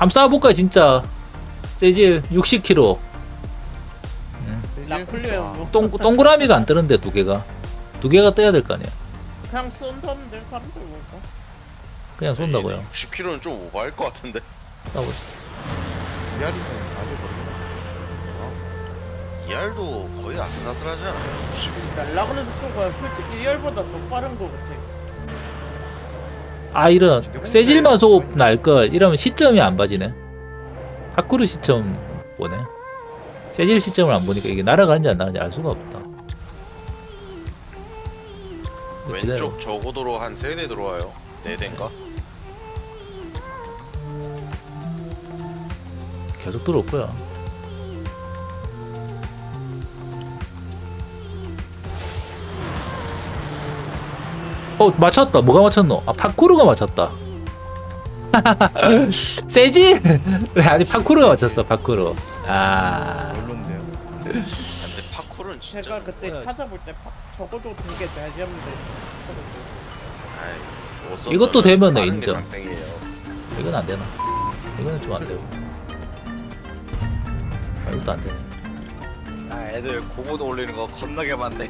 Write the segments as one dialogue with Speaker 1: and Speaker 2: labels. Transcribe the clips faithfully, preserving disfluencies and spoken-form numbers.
Speaker 1: 한번 쏴볼까 진짜. 세질 육십 킬로그램.
Speaker 2: 나폴레옹 뭐
Speaker 1: 동, 동그라미가 안 뜨는데 두 개가. 두 개가 떠야 될 거 아니야.
Speaker 2: 그냥 쏜다는데 사람들 뭘까?
Speaker 1: 그냥 쏜다고요.
Speaker 3: 육십 킬로미터는 좀 오버할 것 같은데.
Speaker 1: 쏴보시.
Speaker 4: 이알이면 아주 모르겠다.
Speaker 3: 이알도 거의 아슬아슬하지 않아?
Speaker 2: 날아가는 속도가 솔직히 이열보다 더 빠른 거 같아.
Speaker 1: 아 이런 세질만 쏘고 날걸. 이러면 시점이 안 봐지네. 파쿠르 시점 보네. 세질 시점을 안 보니까 이게 날아가는지 안 나가는지 알 수가 없다. 기다려.
Speaker 3: 왼쪽 저고도로 한 세 대 들어와요. 네 대인가?
Speaker 1: 계속 들어올 거야. 어 맞췄다. 뭐가 맞췄노? 아 파쿠르가 맞췄다. 세질? 아니 파쿠르가 맞췄어. 파쿠르. 아
Speaker 4: 별론데요.
Speaker 3: 근데 파쿠르는 진짜.
Speaker 2: 제가 그때 찾아볼 때 파, 적어도 두개 돼야지 하면 돼.
Speaker 3: 아이, 못 썼다면
Speaker 1: 이것도 되면은
Speaker 3: 다른 게
Speaker 1: 인정.
Speaker 3: 장땡이에요.
Speaker 1: 이건 안 되나? 이거는 좀 안 되고. 아 이것도 안 되네.
Speaker 5: 아 애들 고고도 올리는 거 겁나게 많네.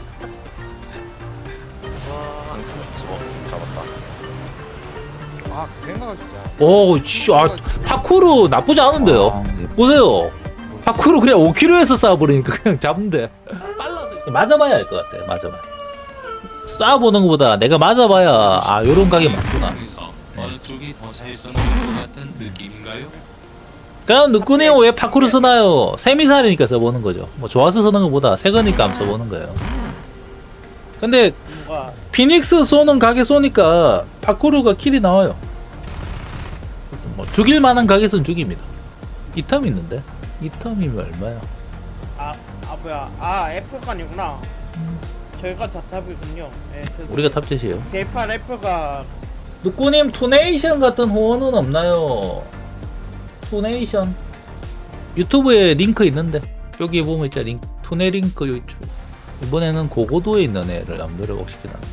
Speaker 3: 항상 수박 잡았다.
Speaker 4: 아, 그 생각을 진짜.
Speaker 1: 오, 씨, 아 파쿠르 나쁘지 않은데요. 보세요. 파쿠르 그냥 오 킬로미터에서 쏴버리니까 그냥 잡는데. 빨라서 맞아봐야 알 것 같아. 맞아봐. 쏴보는 것보다 내가 맞아봐야 아 요런 각이 맞구나.
Speaker 6: 어느 쪽이 더 잘 쓰는 것 같은 느낌인가요?
Speaker 1: 그럼 누꾸니 왜 파쿠르 쓰나요? 세미살이니까 써보는 거죠. 뭐 좋아서 쓰는 것보다 새 거니까 안 써보는 거예요. 근데
Speaker 2: 뭔가
Speaker 1: 피닉스 쏘는 각에 쏘니까 파쿠르가 킬이 나와요. 그래서 뭐 죽일 만한 각에서는 죽입니다. 이 텀 있는데? 이 텀이면 얼마야?
Speaker 2: 아, 아 뭐야 아 F가 아니구나. 저희가 자탑이군요. 예, 죄송해요.
Speaker 1: 우리가 탑재시에요.
Speaker 2: 제이팔 F가
Speaker 1: 누꾸님 투네이션 같은 후원은 없나요? 투네이션 유튜브에 링크 있는데 여기 보면 있잖아. 링크 투네 링크 요 있죠. 이번에는 고고도에 있는 애를 남들을 시켜놨네.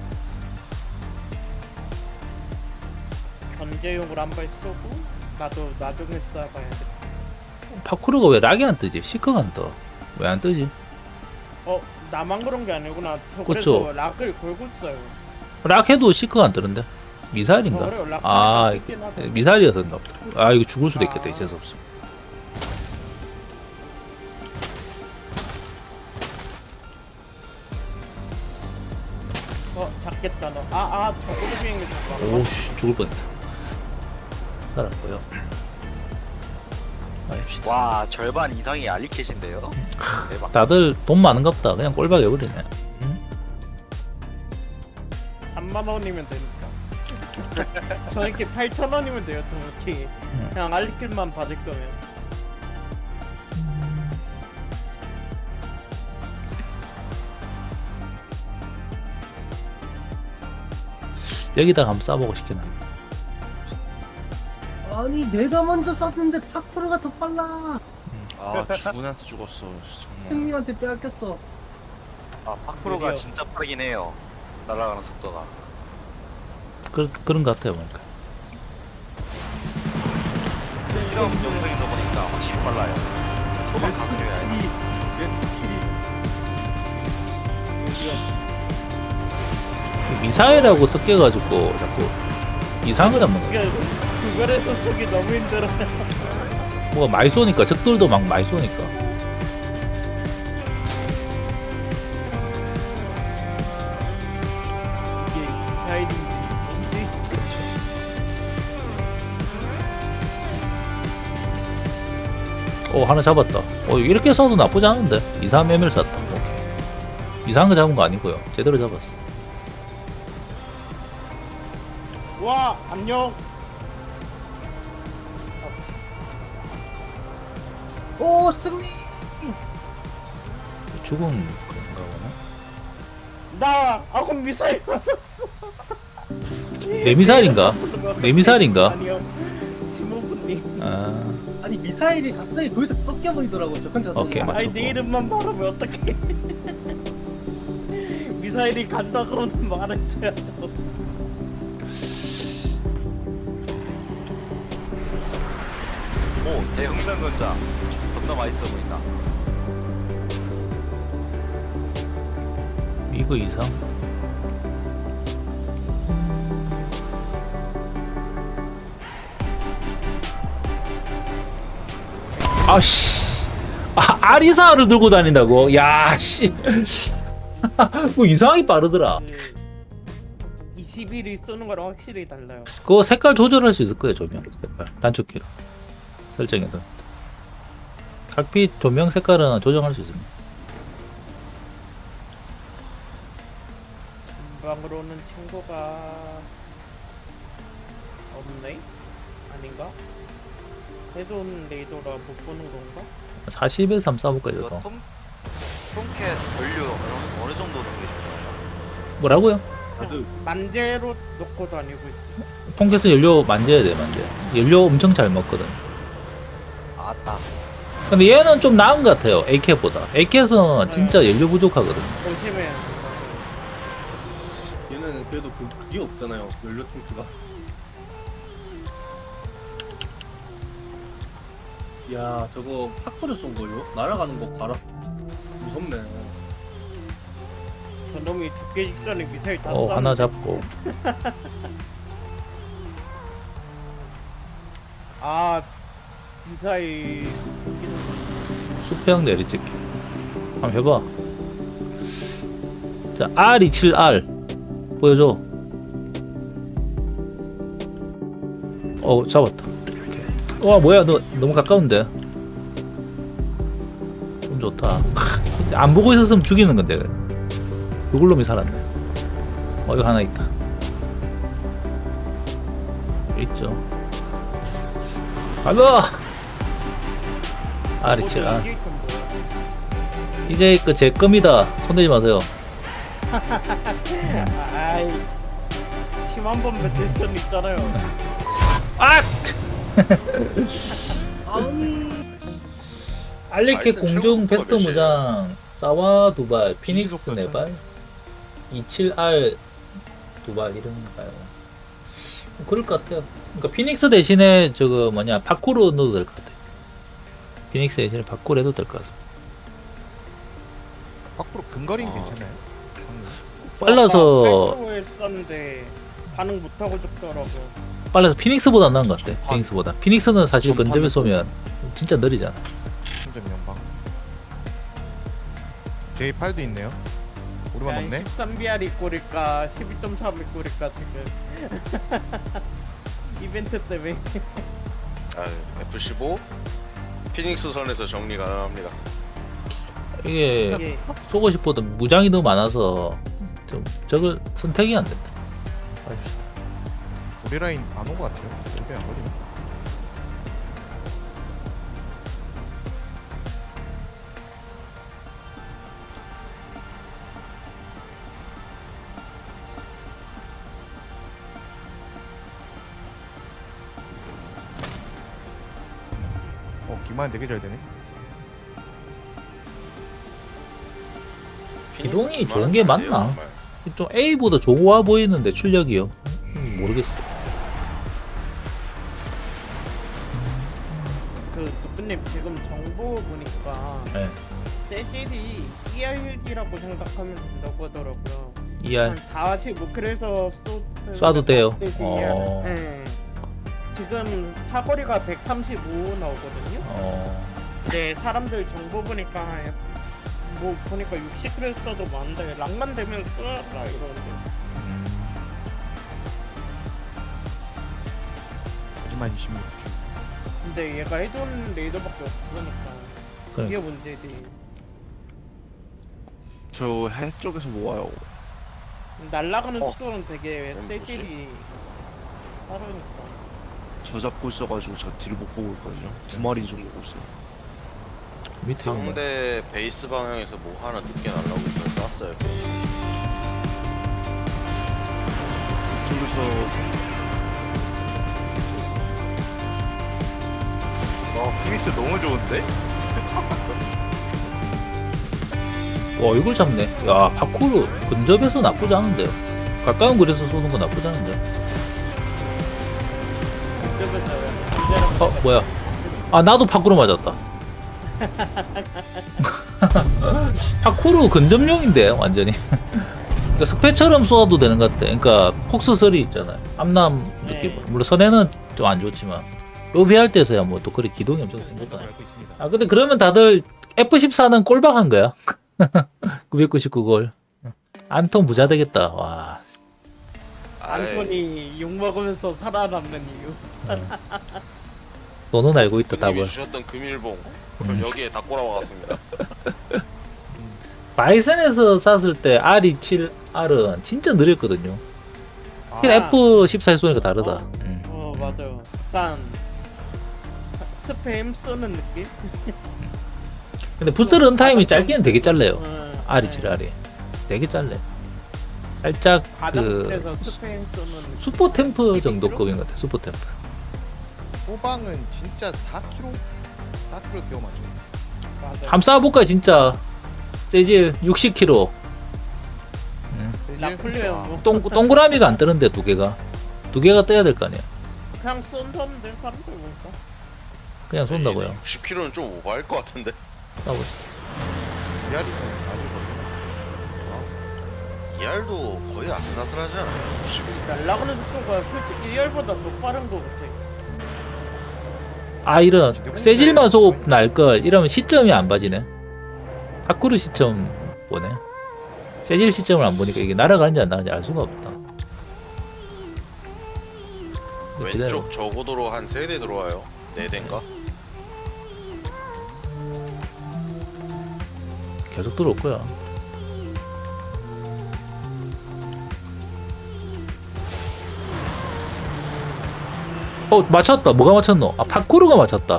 Speaker 2: 견제용으로 한 발 쏘고 나도 나중에 쏴봐야 돼.
Speaker 1: 파쿠르가 왜 락이 안 뜨지? 시크가 안 떠. 왜 안 뜨지?
Speaker 2: 어 나만 그런 게 아니구나. 저
Speaker 1: 그쵸.
Speaker 2: 그래서 락을 걸고 있어요.
Speaker 1: 락 해도 시크가 안 뜨는데? 미사일인가?
Speaker 2: 어, 그래요. 락
Speaker 1: 아
Speaker 2: 있긴 하다.
Speaker 1: 미사일이었나 보다. 아 이거 죽을 수도 있겠다.
Speaker 2: 아.
Speaker 1: 재수없어.
Speaker 2: 어 잡겠다 너. 아아 저거도 비행기 잡아.
Speaker 1: 오씨 죽을 뻔했다. 살았고요. 아닙시다.
Speaker 5: 와 절반 이상이 알리캣인데요. 대박.
Speaker 1: 다들 돈 많은갑다. 그냥 꼴박 해버리네.
Speaker 2: 삼만 원이면 되니까. 저렇게 팔천 원이면 돼요. 정확히. 그냥 알리킬만 받을 거면.
Speaker 1: 여기다가 한번 쏴보고 싶긴 한데.
Speaker 7: 아니 내가 먼저 쐈는데 파쿠르가 더 빨라.
Speaker 4: 아, 주군한테 죽었어. 정말.
Speaker 7: 형님한테 빼앗겼어.
Speaker 5: 아 파크로가 진짜 빠르긴 해요. 날아가는 속도가.
Speaker 1: 그, 그런 것 같아요. 보니까.
Speaker 5: 이런 영상에서 보니까 확실히 빨라요. 초반 가속력이 아니라.
Speaker 1: 미사일하고 섞여가지고 자꾸 이상한 거 잡는 거야.
Speaker 2: 그게 그거에서 쓰기 너무 힘들어.
Speaker 1: 뭐가 많이 쏘니까 적들도 막 많이 쏘니까.
Speaker 2: 이게 미사일인지 뭔지.
Speaker 1: 어 하나 잡았다. 어 이렇게 쏴도 나쁘지 않은데. 이삼 엠엘 쐈다. 오케이. 이상한 거 잡은 거 아니고요. 제대로 잡았어.
Speaker 2: 와 안녕.
Speaker 7: 오 승리.
Speaker 1: 죽은 그런가 보나?
Speaker 2: 나 아군 미사일 맞았어.
Speaker 1: 내 미사일인가? 내 미사일인가?
Speaker 2: 아니요. 지모부님.
Speaker 1: 아
Speaker 7: 아니 미사일이 갑자기 거기서 꺾여버리더라고 저 혼자
Speaker 1: 오케이,
Speaker 7: 쏘는 거.
Speaker 1: 맞-
Speaker 2: 아니 내 이름만 말하면 어떡해. 미사일이 간다 그러는 말을 쳐야죠.
Speaker 5: 대흥면 건자 겁나 맛있어 보인다.
Speaker 1: 이거 이상. 아씨. 아, 아리사를 들고 다닌다고? 야, 씨. 뭐 이상하게 빠르더라.
Speaker 2: 그 이십 일이 쏘는 거랑 확실히 달라요.
Speaker 1: 그거 색깔 조절할 수 있을 거예요, 조명. 색깔. 단축키로. 설정해서. 각빛 조명 색깔은 조정할 수 있습니다.
Speaker 2: 전방으로는 친구가 없네? 아닌가? 해돈 레이더라 못 보는 건가?
Speaker 1: 사십에서 한번 쏴볼까요,
Speaker 5: 이거
Speaker 1: 저도.
Speaker 5: 톰 톰캣 연료 어느, 어느 정도 넣는 게 좋나요?
Speaker 1: 뭐라고요?
Speaker 2: 만재로 놓고 다니고 있어.
Speaker 1: 통계에서 연료 만져야 돼, 만져. 연료 엄청 잘 먹거든.
Speaker 5: 아따.
Speaker 1: 근데 얘는 좀 나은 것 같아요, 에이캣보다. 에이캣은 진짜 연료 부족하거든.
Speaker 2: 조심해.
Speaker 8: 얘는 그래도 그, 그게 없잖아요. 연료 탱크가. 야, 저거 파크를 쏜 거요? 날아가는 거 봐라. 무섭네.
Speaker 2: 저놈이 죽기 직전에 미사일 다
Speaker 1: 어,
Speaker 2: 쐈는데.
Speaker 1: 하나 잡고.
Speaker 2: 아 미사일
Speaker 1: 수평 내리찍기. 한번 해봐. 자, 알 이십칠 알. 보여줘. 어, 잡았다. 오케이. 와, 뭐야, 너 너무 가까운데. 좀 좋다. 크, 안 보고 있었으면 죽이는 건데. 요글놈이 살았네. 어, 이거 하나 있다. 있죠. 가자! 알 이십칠 알.
Speaker 2: 이길 건 뭐야?
Speaker 1: 이제 그 제 겁니다. 손대지 마세요.
Speaker 2: 아이 팀 한 번 뱉을 수는 있잖아요.
Speaker 1: 아! 알리케
Speaker 3: 나이스,
Speaker 1: 공중
Speaker 3: 최고
Speaker 1: 베스트
Speaker 3: 몇이에요?
Speaker 1: 무장 사와 두발 피닉스
Speaker 4: 지지속도
Speaker 1: 네발 이십칠 알 두발 이런가요? 뭐 그럴 것 같아요. 그러니까 피닉스 대신에 저거 뭐냐 파쿠르 넣어도 될 것 같아요. 피닉스 대신에 파쿠르 해도 될 것 같습니다.
Speaker 4: 밖으로 근거리는
Speaker 3: 아.
Speaker 4: 괜찮아요.
Speaker 1: 빨라서
Speaker 2: 팔 썼는데 반응 못 하고 죽더라고.
Speaker 1: 빨라서 피닉스보다 나은 것 같아. 피닉스보다. 피닉스는 사실
Speaker 4: 전판은
Speaker 1: 근접에 쏘면 진짜 느리잖아.
Speaker 4: 삼 점 연방. 제이 팔도 있네요. 우리만 없네.
Speaker 2: 십삼 비알이 꼴일까 십이 점 삼이 꼴일까 지금. 이벤트 때문에.
Speaker 3: 아, 에프 십오 피닉스 선에서 정리 가능합니다.
Speaker 1: 이게
Speaker 2: 이게
Speaker 1: 쏘고 싶어도 무장이 너무 많아서 좀 저걸 선택이 안 된다.
Speaker 4: 우리 라인 안 온 것 같아요. 여기 안 걸리네. 어, 기만 되게 잘 되네.
Speaker 1: 기동이
Speaker 3: 피닉스
Speaker 1: 좋은 게
Speaker 3: 기만은 안 돼요,
Speaker 1: 맞나?
Speaker 3: 정말.
Speaker 1: 좀 A보다 좋아 보이는데 출력이요. 음, 모르겠어.
Speaker 2: 그 누구님 지금 정보 보니까
Speaker 1: 네.
Speaker 2: 세질이 이알이라고 생각하면 된다고 하더라고요.
Speaker 1: 이알
Speaker 2: 한 사십오 킬로에서
Speaker 1: 쏴도 돼요. 어.
Speaker 2: 네. 지금 사거리가 백삼십오 나오거든요.
Speaker 1: 어,
Speaker 2: 네, 사람들 정보 보니까 뭐 보니까 육십 킬로 써도 많은데 락만 되면 쏘라 이러는데.
Speaker 1: 음,
Speaker 4: 하지만 이십육 주.
Speaker 2: 근데 얘가 해돈 레이더밖에 없으니까 이게
Speaker 1: 그러니까
Speaker 2: 문제지.
Speaker 4: 저 해 쪽에서 모아요.
Speaker 2: 날아가는
Speaker 3: 어.
Speaker 2: 속도는 되게
Speaker 3: 이건
Speaker 2: 세질이 빠르니까.
Speaker 9: 저 잡고 있어가지고 제가 뒤를 못 보고 있거든요. 두 마리 정도 보고 있어요.
Speaker 1: 밑에 이거 뭐야?
Speaker 3: 상대 베이스 방향에서 뭐 하나 늦게 날라오고 있어서 쐈어요.
Speaker 9: 이쪽에서
Speaker 5: 와 피닉스 너무 좋은데?
Speaker 1: 와, 이걸 잡네. 야, 파쿠르 근접에서 나쁘지 않은데요. 가까운 거리에서 쏘는 거 나쁘지 않은데.
Speaker 2: 그때부터
Speaker 1: 어, 뭐야? 아 나도 파쿠르 맞았다. 파쿠르 근접용인데 완전히. 그러니까 스페처럼 쏘아도 되는 것 같아. 그러니까 폭스설이 있잖아요. 암남 느낌.
Speaker 2: 네.
Speaker 1: 물론 선에는 좀 안 좋지만 로비할 때서야 뭐 또 그래 기동이 엄청 센 것도 아니고.
Speaker 4: 알고 있습니다.
Speaker 1: 아 근데 그러면 다들 에프 십사는 꼴박한 거야. 구백구십구 골. 안톤 부자 되겠다. 와.
Speaker 2: 안톤이 욕 먹으면서 살아남는 이유.
Speaker 1: 너는 알고 있다
Speaker 3: 님이
Speaker 1: 답을.
Speaker 3: 주셨던 금일봉 그럼
Speaker 1: 음.
Speaker 3: 여기에 다 꼬라박았습니다.
Speaker 1: 바이슨에서 쐈을 때 알 이십칠 알은 진짜 느렸거든요. 확실히
Speaker 2: 아.
Speaker 1: 에프 십사에 쏘니까 다르다.
Speaker 2: 어.
Speaker 1: 음.
Speaker 2: 어 맞아요. 약간 스팸 쏘는 느낌?
Speaker 1: 근데 부스 런타임이 짧기는 되게 짧네요.
Speaker 2: 어,
Speaker 1: 알 이십칠 알이 되게 짧네. 살짝 그
Speaker 2: 가장에서 스팸 쏘는 느낌.
Speaker 1: 슈퍼 템프 정도급인 것 같아. 슈퍼 템프.
Speaker 4: 소방은 진짜 사 킬로미터? 사 킬로미터 되어 맞죠?
Speaker 2: 맞아요.
Speaker 1: 함 쏴볼까 진짜. 세질 육십 킬로미터.
Speaker 2: 나폴레옹 뭐
Speaker 1: 동 동그라미가 안 뜨는데 두 개가 두 개가 떠야 될 거 아니야.
Speaker 2: 그냥 쏜다는데 사람들 보니까.
Speaker 1: 그냥 쏜다고요.
Speaker 3: 육십 킬로미터는 좀 오버할 것 같은데.
Speaker 1: 쏴보시.
Speaker 4: 이알이 아주 멀리.
Speaker 3: 이알도 거의 아슬아슬하지 않아?
Speaker 2: 날아가는 속도가 솔직히 이알보다 더 빠른 것 같아.
Speaker 1: 아 이런 세질만 쏘고 날걸 이러면 시점이 안 봐지네. 파쿠르 시점 보네. 세질 시점을 안 보니까 이게 날아가는지 안 날아가는지 알 수가 없다. 기다려.
Speaker 3: 왼쪽 저고도로 한 세 대 들어와요. 네 대인가?
Speaker 1: 계속 들어올 거야. 어 맞췄다. 뭐가 맞췄노? 아 파쿠르가 맞췄다.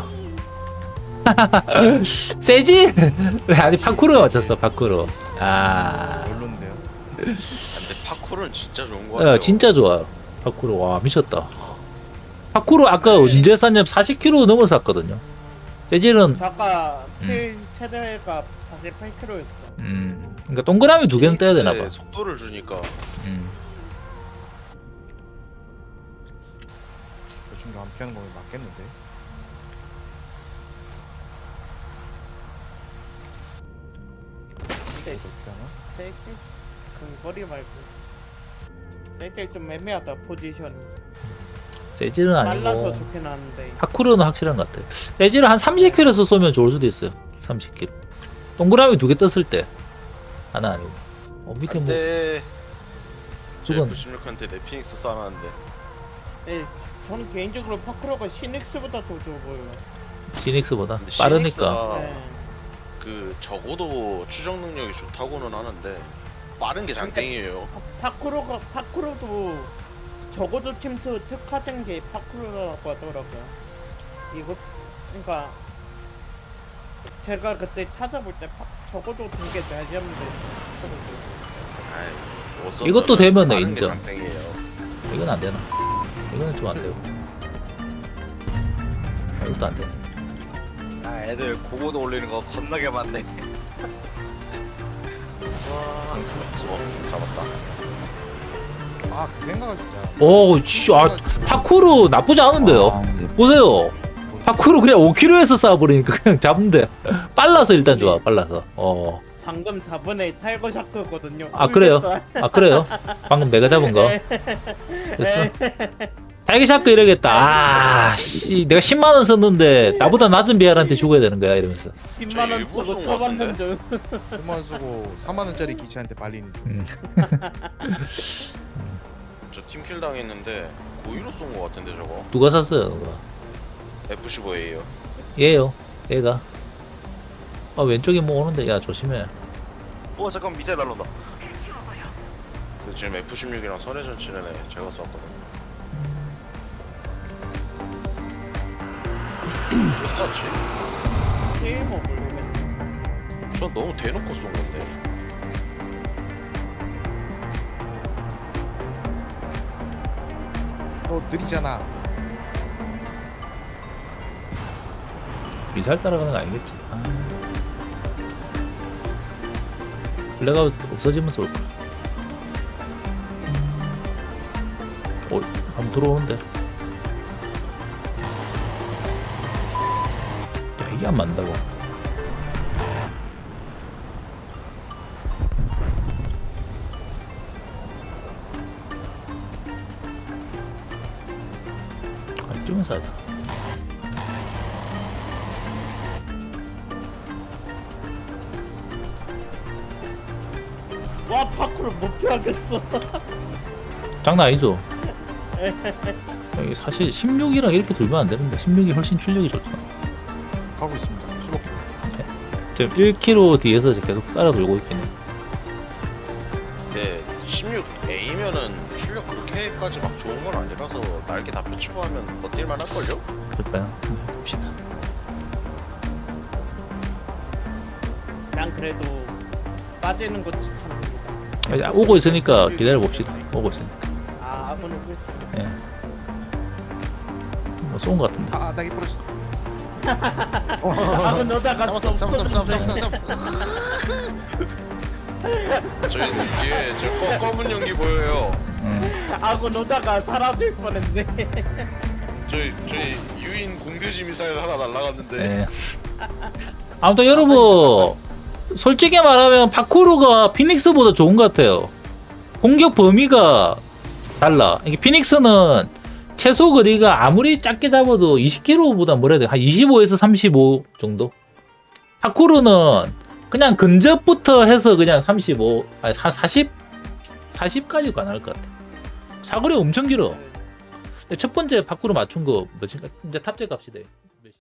Speaker 1: 세질? 아니 파쿠르가 맞췄어. 파쿠르. 아,
Speaker 4: 별론데요.
Speaker 3: 근데 파쿠르는 진짜 좋은 거 같아요.
Speaker 1: 야, 진짜 좋아. 파쿠르 와 미쳤다. 파쿠르 아까 언제 쐈냐면 사십 킬로미터 넘어서 쐈거든요. 세질은
Speaker 2: 아까 킬 최대가 사십팔 킬로미터였어.
Speaker 1: 음, 그러니까 동그라미 두 개는 떼야 되나 봐.
Speaker 3: 속도를 주니까
Speaker 1: 음.
Speaker 4: 대충 안 피하는 거면 맞겠는데.
Speaker 2: 근데
Speaker 4: 어떻게 하나?
Speaker 2: 세길 근거리 말고 세길 좀 애매하다 포지션이.
Speaker 1: 세질은
Speaker 2: 빨라서
Speaker 1: 아니고
Speaker 2: 좋긴 하는데.
Speaker 1: 파쿠르는 확실한 것 같아. 세질은 한 삼십 킬로미터에서 쏘면 좋을 수도 있어요. 삼십 킬로미터. 동그라미 두 개 떴을 때 하나 아니고. 어 밑에 뭐
Speaker 3: 근데
Speaker 1: 그건-
Speaker 3: 구십육한테 내 피닉스 쏴놨는데
Speaker 2: 네, 저는 개인적으로 파크로가 시닉스보다 더 좋아 보여요.
Speaker 1: 지닉스보다
Speaker 3: 근데
Speaker 1: 빠르니까.
Speaker 3: 시닉스가
Speaker 2: 네.
Speaker 3: 그 적어도 추적 능력이 좋다고는 하는데 빠른 게 장땡이에요.
Speaker 2: 파크로가 파크로도 적어도 팀투 특화된 게 파크로라고 하더라고요. 이거 그러니까 제가 그때 찾아볼 때 파, 적어도 두개 내야지 하면 됐어.
Speaker 3: 아이, 못 썼다면
Speaker 1: 이것도 되면은
Speaker 3: 빠른 게
Speaker 1: 인정.
Speaker 3: 장땡이에요.
Speaker 1: 이건 안 되나? 이거는 좀 안 되고. 아, 이것도 안 돼.
Speaker 5: 아 애들 고고도 올리는 거 겁나게 많네.
Speaker 3: 와, 수고 잡았다.
Speaker 4: 아, 그 생각을 진짜.
Speaker 1: 오, 씨, 아, 파쿠르 나쁘지 않은데요. 보세요. 파쿠르 그냥 오 킬로미터에서 쏴버리니까 그냥 잡는데. 빨라서 일단 좋아. 빨라서. 어.
Speaker 2: 방금 저번에 타이거 샤크거든요.
Speaker 1: 아 그래요? 아 그래요? 방금 내가 잡은 거. 됐어. 타이거샤크 이러겠다. 아, 씨, 내가 십만 원 썼는데 나보다 낮은 비알한테 죽어야 되는 거야 이러면서.
Speaker 2: 십만 원
Speaker 3: 일부러
Speaker 2: 쓰고
Speaker 3: 쏜거
Speaker 2: 처방전 좀.
Speaker 4: 천만 쓰고 사만 원짜리 기체한테 발리는 중.
Speaker 1: 음.
Speaker 3: 저 팀킬 당했는데 고의로 쏜 거 같은데 저거.
Speaker 1: 누가 샀어요? 누가?
Speaker 3: 에프 십오에이요.
Speaker 1: 얘요. 얘가. 아 왼쪽에 뭐 오는데 야 조심해.
Speaker 5: 어 잠깐 미사일 날라온다.
Speaker 3: 근데 지금 에프 십육이랑 선회전 치는 애 제가 쐈거든. 왜 쐈지?
Speaker 2: 게이머 모르겠네.
Speaker 3: 전 너무 대놓고 쏜 건데.
Speaker 4: 너 느리잖아.
Speaker 1: 미사일 따라가는 거 아니겠지? 아. 블랙가 없어지면 쏠 거야. 어, 한번 들어오는데. 이게 안 맞는다고. 아, 좀 싸다.
Speaker 2: 와 파쿠르 못 피하겠어.
Speaker 1: 장난 아니죠? 이게 사실 십육이랑 이렇게 돌면 안 되는데 십육이 훨씬 출력이 좋잖아.
Speaker 4: 가고 있습니다. 십오 킬로.
Speaker 1: 지금 일 킬로미터 뒤에서 이제 계속 따라 돌고 있긴 해.
Speaker 3: 네, 십육 에이면은 출력 그렇게까지 막 좋은 건 아니라서 날개 다 펼치고 하면 버틸만 할걸요?
Speaker 1: 그럴까요? 한번 봅시다.
Speaker 2: 난 그래도 빠지는 거 추천합니다.
Speaker 1: 아, 오고 있으니까 기다려 봅시다. 오고 있으니까.
Speaker 2: 아 아군 오고 있어.
Speaker 1: 예. 뭐 쏜 것 같은데.
Speaker 4: 아, 나기 부러졌어.
Speaker 2: 아군 오다가
Speaker 4: 잡았어, 잡았어, 잡았어, 잡았어, 잡았어.
Speaker 3: 저희 뒤에 저 검- 검은 연기 보여요.
Speaker 1: 음.
Speaker 2: 아군 오다가 사라질 뻔했네.
Speaker 3: 저희 저희 유인 공대지 미사일 하나 날라갔는데
Speaker 1: 예. 아무튼 여러분 솔직히 말하면 파쿠르가 피닉스보다 좋은 것 같아요. 공격 범위가 달라. 이게 피닉스는 최소 거리가 아무리 작게 잡아도 이십 킬로미터보다 뭐라 해야 돼? 한 이십오에서 삼십오 정도? 파쿠르는 그냥 근접부터 해서 그냥 삼십오, 아니 한 사십? 사십까지 가능할 것 같아. 사거리 엄청 길어. 첫 번째 파쿠르 맞춘 거 뭐지? 이제 탑재 값이 돼.